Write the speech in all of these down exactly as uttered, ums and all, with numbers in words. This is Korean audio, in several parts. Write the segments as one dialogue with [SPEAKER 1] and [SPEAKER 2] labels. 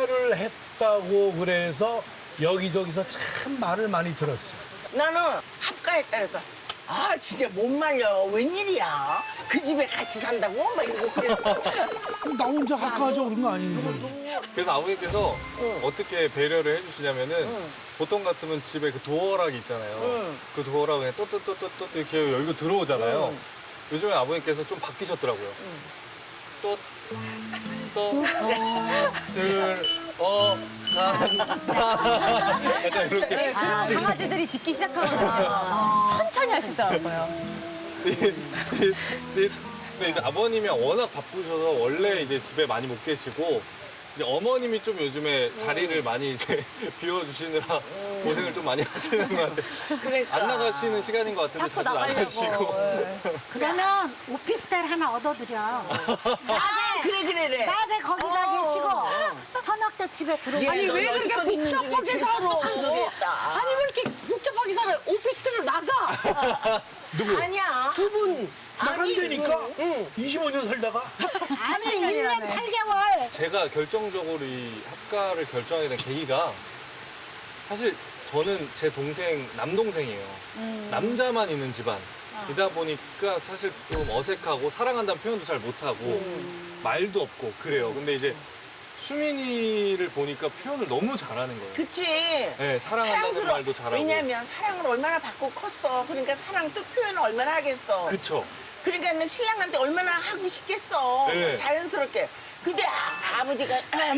[SPEAKER 1] 합가를 했다고 그래서 여기저기서 참 말을 많이 들었어.
[SPEAKER 2] 나는 합가했다 해서 아 진짜 못 말려 웬일이야 그 집에 같이 산다고 막 이러고 그랬어.
[SPEAKER 1] 나 혼자 합가하자 그런 거 아니니?
[SPEAKER 3] 그래서 아버님께서
[SPEAKER 2] 응.
[SPEAKER 3] 어떻게 배려를 해주시냐면은
[SPEAKER 2] 응.
[SPEAKER 3] 보통 같으면 집에 그 도어락이 있잖아요.
[SPEAKER 2] 응.
[SPEAKER 3] 그 도어락 그냥 또또또또또 이렇게 열고 들어오잖아요.
[SPEAKER 2] 응.
[SPEAKER 3] 요즘에 아버님께서 좀 바뀌셨더라고요. 또, 또, 들, 어, 간다. 약간 그렇게.
[SPEAKER 4] 아, 강아지들이 짖기 시작하구나. 천천히 하시더라고요.
[SPEAKER 3] 근데 이제 아버님이 워낙 바쁘셔서 원래 이제 집에 많이 못 계시고 이제 어머님이 좀 요즘에 자리를 많이 이제 비워주시느라 고생을 좀 많이 하시는 것 같아요.
[SPEAKER 2] 그러니까.
[SPEAKER 3] 안 나가시는 시간인 것 같은데
[SPEAKER 4] 자꾸
[SPEAKER 3] 자주
[SPEAKER 4] 나가려고.
[SPEAKER 3] 나가시고.
[SPEAKER 4] 예.
[SPEAKER 5] 그러면 오피스텔 하나 얻어드려.
[SPEAKER 2] 아 그래 그래 그래.
[SPEAKER 5] 낮에 거기다
[SPEAKER 2] 어.
[SPEAKER 5] 계시고 저녁 때 집에 들어가.
[SPEAKER 4] 아니, 왜 그렇게
[SPEAKER 2] 여지껏 있는 중에
[SPEAKER 4] 복잡하게
[SPEAKER 2] 제일
[SPEAKER 4] 살아?
[SPEAKER 2] 똑똑한 소리 했다.
[SPEAKER 4] 아니, 왜 이렇게 복잡하게 살아요? 오피스텔로 나가.
[SPEAKER 1] 누구?
[SPEAKER 2] 아니야.
[SPEAKER 4] 두 분.
[SPEAKER 1] 나간다니까?
[SPEAKER 4] 응.
[SPEAKER 1] 이십오 년 살다가?
[SPEAKER 5] 아니 일 년 팔 개월.
[SPEAKER 3] 제가 결정적으로 이 합가를 결정하게 된 계기가 사실 저는 제 동생 남동생이에요. 남자만 있는 집안이다 보니까 사실 좀 어색하고 사랑한다는 표현도 잘 못하고 말도 없고 그래요. 근데 이제 수민이를 보니까 표현을 너무 잘하는 거예요.
[SPEAKER 2] 그치.
[SPEAKER 3] 네, 사랑한다는 말도 잘하고.
[SPEAKER 2] 왜냐면 사랑을 얼마나 받고 컸어. 그러니까 사랑 뜻 표현을 얼마나 하겠어.
[SPEAKER 3] 그쵸.
[SPEAKER 2] 그러니까 는 신랑한테 얼마나 하고 싶겠어.
[SPEAKER 3] 네.
[SPEAKER 2] 자연스럽게. 근데 아, 아버지가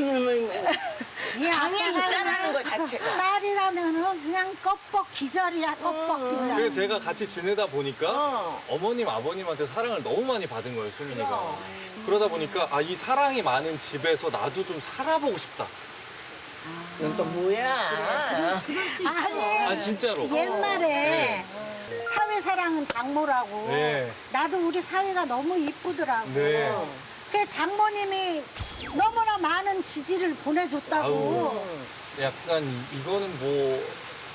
[SPEAKER 2] 방에 있다라는 것 자체가.
[SPEAKER 5] 딸이라면은 그냥 껍벅 기절이야 껍벅 기절.
[SPEAKER 3] 그래서 제가 같이 지내다 보니까
[SPEAKER 2] 어.
[SPEAKER 3] 어머님, 아버님한테 사랑을 너무 많이 받은 거예요, 수민이가.
[SPEAKER 2] 그럼.
[SPEAKER 3] 그러다 보니까 아, 이 사랑이 많은 집에서 나도 좀 살아보고 싶다.
[SPEAKER 2] 이건 또 뭐야.
[SPEAKER 5] 아니
[SPEAKER 3] 아, 진짜로.
[SPEAKER 5] 옛말에
[SPEAKER 3] 네.
[SPEAKER 5] 사회 사랑은 장모라고.
[SPEAKER 3] 네.
[SPEAKER 5] 나도 우리 사회가 너무 이쁘더라고.
[SPEAKER 3] 네.
[SPEAKER 5] 그 장모님이 너무나 많은 지지를 보내줬다고.
[SPEAKER 3] 아우. 약간 이거는 뭐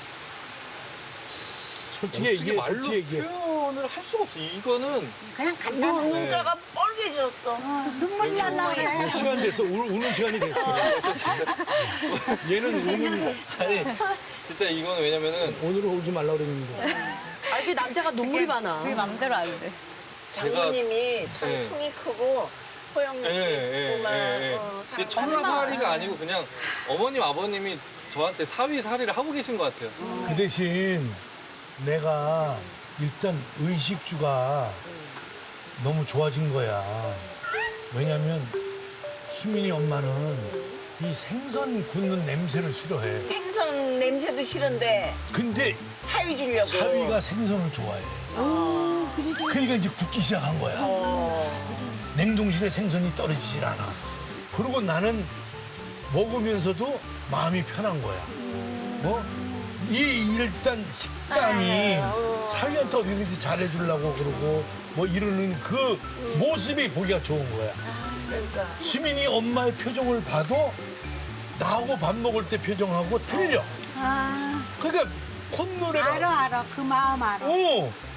[SPEAKER 1] 솔직히
[SPEAKER 3] 어떻게
[SPEAKER 1] 얘기해,
[SPEAKER 3] 말로
[SPEAKER 1] 솔직히 얘기해.
[SPEAKER 3] 표현을 할 수가 없어. 이거는
[SPEAKER 5] 그냥
[SPEAKER 2] 눈,
[SPEAKER 5] 간단해.
[SPEAKER 2] 눈가가 뻘개졌어.
[SPEAKER 5] 어, 눈물 날라 그래.
[SPEAKER 1] 시간 됐어. 우, 우는 시간이 됐어. 얘는 우는,
[SPEAKER 3] 아니 진짜 이거는 왜냐면은
[SPEAKER 1] 오늘은 울지 말라 그랬는데.
[SPEAKER 4] 아, 이게 남자가 눈물이 많아. 그게 맘대로 안 돼.
[SPEAKER 2] 장모님이 참
[SPEAKER 3] 네.
[SPEAKER 2] 통이 크고 포용력도
[SPEAKER 3] 예,
[SPEAKER 2] 있고 막
[SPEAKER 3] 예, 예.
[SPEAKER 2] 어,
[SPEAKER 3] 이게
[SPEAKER 2] 사람
[SPEAKER 3] 천하살이가 아니고 그냥 어머님, 아버님이 저한테 사위살이를 하고 계신 것 같아요.
[SPEAKER 1] 그 대신 내가 일단 의식주가 너무 좋아진 거야. 왜냐면 수민이 엄마는 이 생선 굽는 냄새를 싫어해.
[SPEAKER 2] 생선 냄새도 싫은데
[SPEAKER 1] 근데
[SPEAKER 2] 사위 주려고.
[SPEAKER 1] 사위가 생선을 좋아해. 그러니까 이제 굽기 시작한 거야.
[SPEAKER 2] 어.
[SPEAKER 1] 냉동실에 생선이 떨어지질 않아. 그리고 나는 먹으면서도 마음이 편한 거야. 뭐? 이 일단 식단이
[SPEAKER 2] 아유.
[SPEAKER 1] 사위한테 어디든지 잘해주려고 그러고 뭐 이러는 그 모습이 보기가 좋은 거야.
[SPEAKER 2] 그러니까.
[SPEAKER 1] 수민이 엄마의 표정을 봐도 나하고 밥 먹을 때 표정하고 틀려.
[SPEAKER 5] 아,
[SPEAKER 1] 그러니까 콧노래가
[SPEAKER 5] 알아 알아 그 마음 알아.
[SPEAKER 1] 어,